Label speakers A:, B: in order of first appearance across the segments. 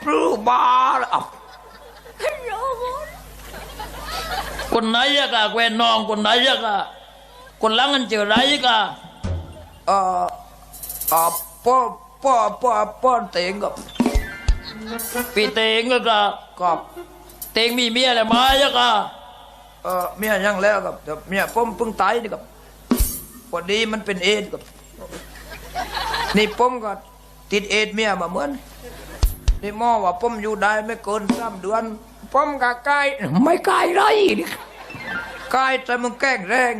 A: ปลื้มบ้าแล้วเอาคนไหนอะกะแควนน้องคนไหนอะกะคนหลังกันเจอไรกะเอ่อป้อป้อเต็งกับพี่เต็งก็กับเต็งมีเมียอะไรมาอะกะเมียยังแล้วกับแต่เมียผมเพิ่งตายนี่กับพอดีมันเป็นเอดส์กับนี่ผมก็ติดเอดส์เมียมาเหมือนนี่หมอว่าผมอยู่ได้ไม่เกิน3 เดือนผมก็ใกล้ไม่ใกล้ไรนี่ใกล้แต่มึงแกล้งแรง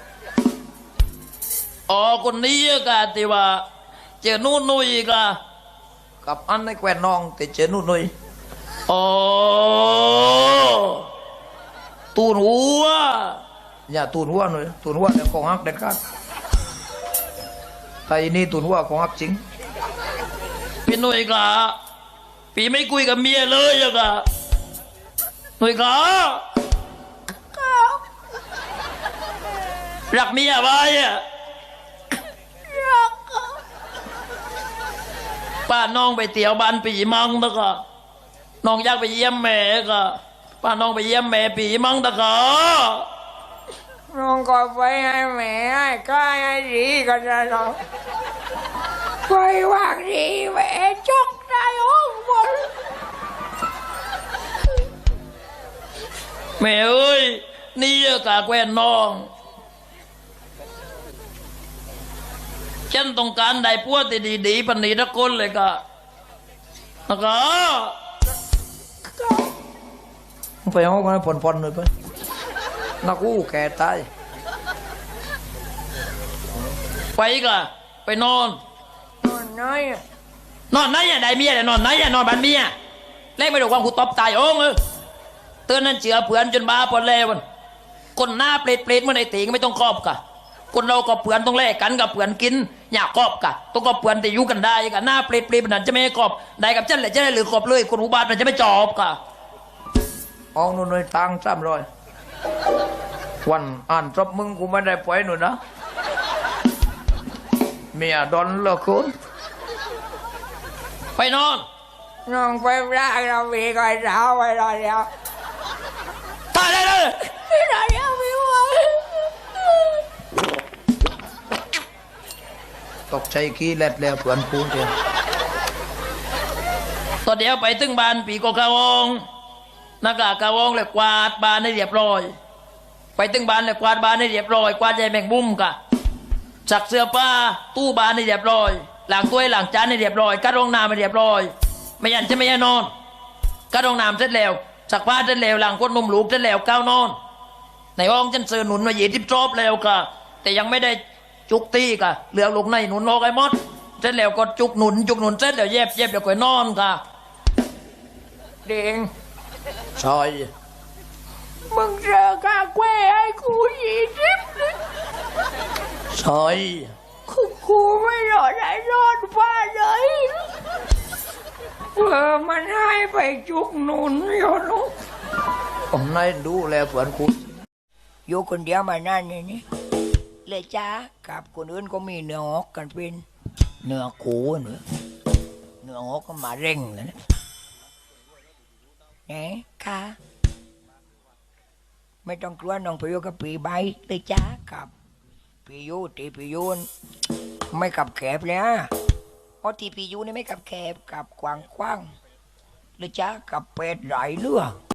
A: อ๋อคนนี้กะที่ว่าเจอนู่นนุยกะกับอันในแควนน้องแต่เจอนู่นนุยอ๋อตูนหัวอย่าตูนหัวหน่อยตูนหัวเดี๋ยวของฮักเด็ดขาดไอ้นี่ตูนหัวของฮักจริงพี่นุยกะพี่ไม่คุยกับเมียเลยอะกะนุยกะรักเมียไว้อะป้าน้องไปเตี๋ยวบ้านปีมังตะกะน้องอยากไปเยี่ยมแม่กะป้าน้องไปเยี่ยมแม่ปีมังตะกะน้องก็ไปให้แม่ให้ก้าให้ดีกันนะน้องไปว่างดีแม่จกได้ห้องบนแม่เอ้ยนี่กะแควนน้องฉันต้องการได้พวกที่ดีๆปันนี้ทุกคนเลยกะนะคะไปห้องกันผ่อนๆหน่อยไปนักกู้แก่ตายไปกะไปนอนไหนนอนไหนอะได้เมียแต่นอนไหนอะนอนบ้านเมียเล่ไม่ดูความกูตบตายโอ้งเตือนนั่นเจือเผื่อนจนบ้าปนแล้วคนหน้าเปรตๆเมื่อไหร่ตีก็ไม่ต้องครอบกะคนเราก็เผื่อนต้องแลกกันกับเผื่อนกินอยากครอบกะต้องก็เผื่อนแต่อยู่กันได้กะหน้าเปรตๆมันจะไม่ครอบได้กับเจ้าแหละเจ้าหรือครอบเลยคนอุบาทมันจะไม่จอบกะอองนู่นเลยตัง300วันอ่านจบมึงกูไม่ได้ปล่อยหนูนะเมียดอนเลิกคุณไปนอนนอนไปได้เรามีก่อนเช้าไปรอเดียวตายได้เลยรอเดียวไม่ไหวตกใจขี้เล็ดแล้วเพื่อนพูดเองตอนเดียวไปถึงบ้านปีก็กะวงนักกะวงเลยกวาดบ้านให้เรียบร้อยไปถึงบ้านเลยกวาดบ้านให้เรียบร้อยกวาดใหญ่แมงมุมกะสักเสื้อผ้าตู้บ้านให้เรียบร้อยหลังถ้วยหลังจานให้เรียบร้อยกัดรองน้ำให้เรียบร้อยไม่ยันจะไม่ยันนอนกัดรองน้ำเสร็จแล้วสักผ้าเสร็จแล้วหลังก้นนมลูกเสร็จแล้วก้าวนอนในห้องฉันเสือหนุนมา20 รอบแล้วกะแต่ยังไม่ได้จุกตีกะเหลือลูกในหนุนออกไอ้มดเสร็จแล้วก็จุกหนุนเสร็จแล้วเย็บเดี๋ยวก็นอนกะเด้งชอยมึงเจอกาแควให้กู20ชอยกูไม่รอได้รอดฟ้าเลยมันให้ไปจุกหนุนอยู่ลูกผมนายดูแลเพื่อนคุณอยู่คนเดียวมานานนี่เลยจ้ากับคนอื่นก็มีเนื้อหอกกันเป็นเนื้อคูเนื้อหอกก็มาเร่งเลยนะเนี่ยค่ะไม่ต้องกลัวน้องไปอยู่กับปีใบเลยจ้ากับปียูตีปียูนไม่กับแคบเลยเพราะตีปียูนี่ไม่กับแคบกับกว้างเลยจ้ากับเป็ดไหลเรือ